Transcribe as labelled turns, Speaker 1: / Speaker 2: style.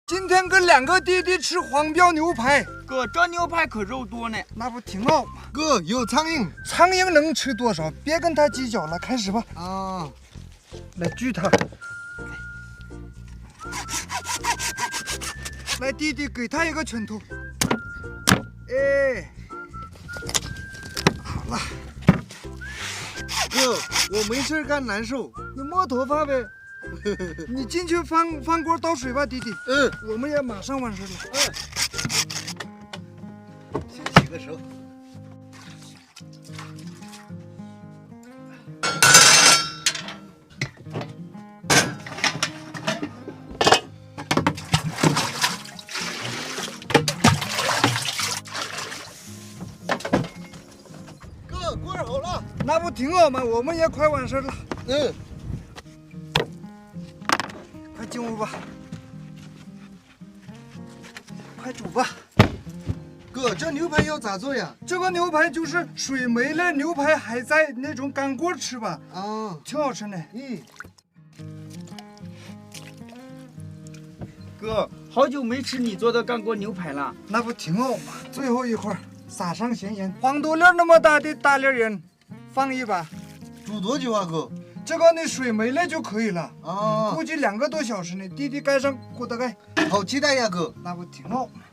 Speaker 1: 今天跟2个弟弟吃黄标牛排。
Speaker 2: 哥，这牛排可肉多呢。
Speaker 1: 那不挺好吗？
Speaker 3: 哥，有苍蝇。
Speaker 1: 苍蝇能吃多少？别跟他计较了，开始吧。
Speaker 3: 啊，
Speaker 1: 来锯它。来，弟弟给他一个拳头。哎，好了。
Speaker 3: 哥，我没事干，难受。
Speaker 1: 你摸头发呗。你进去翻锅倒水吧，弟弟。我们也马上完事了。
Speaker 3: 先洗个手。哥，锅好了。
Speaker 1: 那不挺好吗？我们也快完事了。快进屋吧，快煮吧。
Speaker 3: 哥，这牛排要咋做呀？
Speaker 1: 这个牛排就是水没了，牛排还在那种干锅吃吧。
Speaker 3: 啊，
Speaker 1: 挺好吃的。
Speaker 2: 哥，好久没吃你做的干锅牛排了。
Speaker 1: 那不挺好吗？最后一块撒上咸盐，黄豆粒那么大的大粒盐，放一把。
Speaker 3: 煮多久啊，哥？
Speaker 1: 这个你水没了就可以了。
Speaker 3: 啊，
Speaker 1: 估计2个多小时呢。弟弟盖上锅的盖。
Speaker 3: 好期待呀，哥。
Speaker 1: 那不挺好吗？